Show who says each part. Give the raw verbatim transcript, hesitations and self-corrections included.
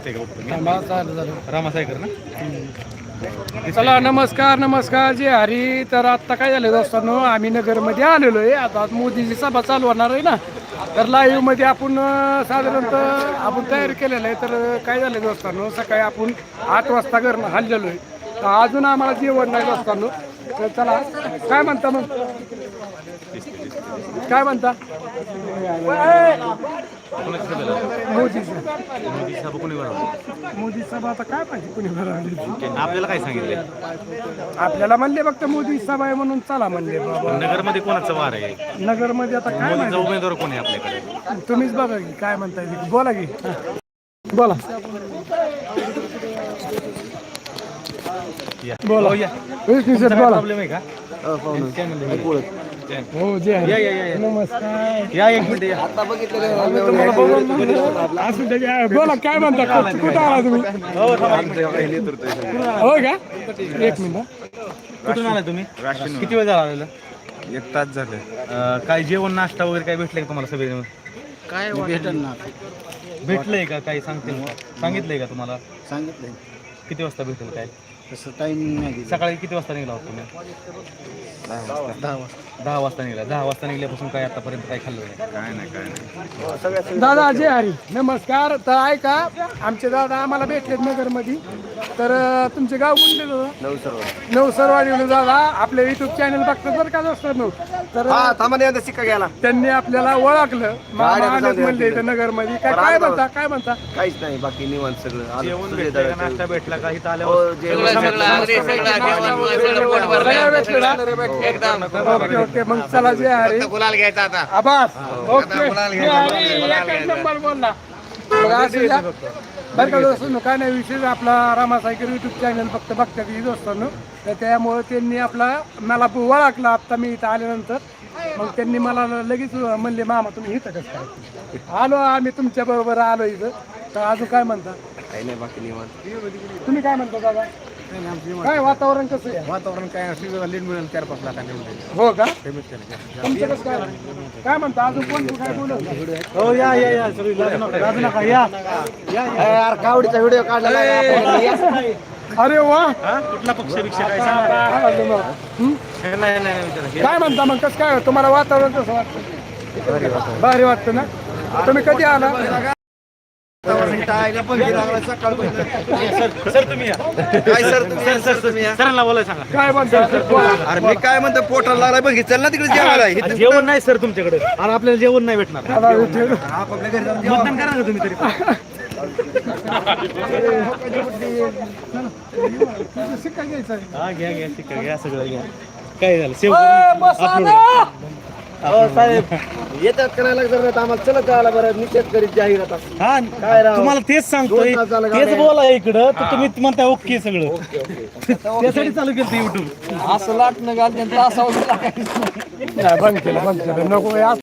Speaker 1: दिसते का रामा सायकर ना?
Speaker 2: चला नमस्कार नमस्कार जे हरी. तर आता काय झालं दोस्तांनो, आम्ही नगरमध्ये आलेलो आहे. आता मोदीची सभा चालू होणार आहे ना, तर लाईव्ह मध्ये आपण अं, साधारणतः आपण तयारी केलेलं आहे. तर काय झालं दोस्तांनो, सकाळी आपण आठ वाजता घरनं हल्लेलो आहे, तर अजून आम्हाला जेवण नाही दोस्तांनो. तर चला काय म्हणता मग, काय म्हणता मोदीची
Speaker 1: मोदी सभा कोणी भरवली?
Speaker 2: मोदी सभा आता काय पाहिजे कुणी भरवली.
Speaker 1: आपल्याला काय सांगितले?
Speaker 2: आपल्याला म्हणले फक्त मोदी सभा आहे म्हणून चला म्हणले बाबा.
Speaker 1: नगरमध्ये कोणाचं वार आहे?
Speaker 2: नगरमध्ये आता काय
Speaker 1: मोदीचा उमेदवार कोण आहे आपल्याकडे?
Speaker 2: तुम्हीच बघा की काय म्हणताय ते. बोला की बोला
Speaker 1: या.
Speaker 2: बोला
Speaker 1: हो, या.
Speaker 2: विष्णू सर
Speaker 1: तुमचा काय
Speaker 2: बोला.
Speaker 1: प्रॉब्लेम आहे का? चॅनल आहे.
Speaker 2: हो जे आहे.
Speaker 1: या या या या.
Speaker 2: नमस्कार.
Speaker 1: या एक मिनिट या.
Speaker 2: तुम्हाला बघून म्हणलं, असू दे की. बोला काय म्हणता, कुठं कुठं आला तुम्ही?
Speaker 1: हो थांबा एक
Speaker 2: हो का, एक मिनिट हा.
Speaker 1: कुठून आला तुम्ही? किती वेळ झाला आलेला?
Speaker 3: एक तास झाले.
Speaker 1: अं, काय जेवण नाश्ता वगैरे काय भेटलंय का तुम्हाला सगळे?
Speaker 3: काय भेटल ना
Speaker 1: भेटलंय का काही सांगतील सांगितलंय का तुम्हाला?
Speaker 3: सांगितलंय
Speaker 1: किती वाजता भेटेल काय?
Speaker 3: तसं टाइमिंग नाही दिलं.
Speaker 1: सकाळी किती वाजता निघाला होता तुम्ही?
Speaker 3: दहा वाजता दहा वाजता
Speaker 1: दहा वाजता निघाला. दहा वाजता निघल्यापासून काय आतापर्यंत काय खाल्लं नाही?
Speaker 3: काय नाही काय नाही.
Speaker 2: दादा जय हरी. नमस्कार. तर ऐका, आमचे दादा आम्हाला भेटलेत नगरमध्ये. तर अं, तुमचे गाव कोणते दादा?
Speaker 3: नऊ सर्व
Speaker 2: नवसरवाडी दादा आपले युट्यूब चॅनल बघतात बरं का दोस्तांनो. तर
Speaker 3: थांबा शिक्का घ्यायला
Speaker 2: त्यांनी आपल्याला ओळखलं. मामा आलेत म्हणले इथं नगरमध्ये. काय काय म्हणता काय म्हणता?
Speaker 3: काहीच नाही बाकी निवांत सगळं
Speaker 1: जेवण भेटलं का? नाश्ता भेटला का? इथं
Speaker 3: हो,
Speaker 1: आल्यावर
Speaker 3: जेवण
Speaker 2: सगळं भेटलं ना? ओके ओके मग चला जे हरी.
Speaker 4: गुलाल घ्यायचा आता.
Speaker 2: आभास ओके जे हरी, एकच नंबर बोलला. मग असं द्या. बरं का दोस्तांनो, काय नाही विशेष आपला रामा सायकर युट्यूब चॅनल फक्त बघतात ही दोस्तांनो. तर त्यामुळे त्यांनी आपला मला ओळखला आत्ता मी इथं आल्यानंतर. मग त्यांनी मला लगेच म्हणले मामा तुम्ही इथं कसं काय? आलो आम्ही तुमच्या बरोबर आलो इथं. तर अजून काय म्हणता?
Speaker 3: काही नाही बाकी निवांत.
Speaker 2: तुम्ही काय म्हणता दादा? काय वातावरण कसं आहे?
Speaker 3: वातावरण काय लीड मिळेल चार पाच लाखांनी
Speaker 2: हो का, तुमचं कसं काय काय म्हणता अजून कोण काय बोलत?
Speaker 1: हो या या या सगळी लाजू नका लाजू नका या
Speaker 3: यार कावडीचा व्हिडिओ काढला.
Speaker 2: अरे वा,
Speaker 1: हा? कुठला पक्ष भिक्षा काय सांगा?
Speaker 2: काय म्हणतो मग? हं?
Speaker 1: नाही नाही नाही विचारा.
Speaker 2: काय म्हणता मग, कसं काय तुम्हाला वातावरण कसं वाटतं? भारी वाटतं ना. तुम्ही कधी आला?
Speaker 1: सर तुम्ही या.
Speaker 3: काय सर सर सर तुम्ही या.
Speaker 1: सरांना बोलाय सांगा.
Speaker 2: काय म्हणता?
Speaker 3: अरे मी काय म्हणतो पोटाला लागला बघ चल ना तिकडे जेवायला
Speaker 1: अरे जेवण नाही सर तुमच्याकडे, आणि आपल्याला जेवण नाही भेटणार.
Speaker 2: मला विचारू.
Speaker 1: मतदान करा ना तुम्ही तरी.
Speaker 2: तुझं शिक्का घ्यायचा आहे.
Speaker 1: हा घ्या घ्या ठीक आहे, घ्या सगळं घ्या. काय झालं सेव
Speaker 2: ए, बसा ना.
Speaker 3: साहेब येतात करायला जर नाही तर आम्हाला चलत जायला बरं निषेध करीत जाहीर
Speaker 1: हा
Speaker 3: काय राव?
Speaker 1: तुम्हाला तेच सांगतोय,
Speaker 3: दोन तासाला
Speaker 1: तेच
Speaker 3: गाड्या.
Speaker 1: बोला इकडं तर तुम्ही म्हणताय ओके सगळं. त्यासाठी चालू केलं युट्यूब.
Speaker 2: असं लाटणं घाल त्यांचं असावं. बंद केलं बंद केलं नको.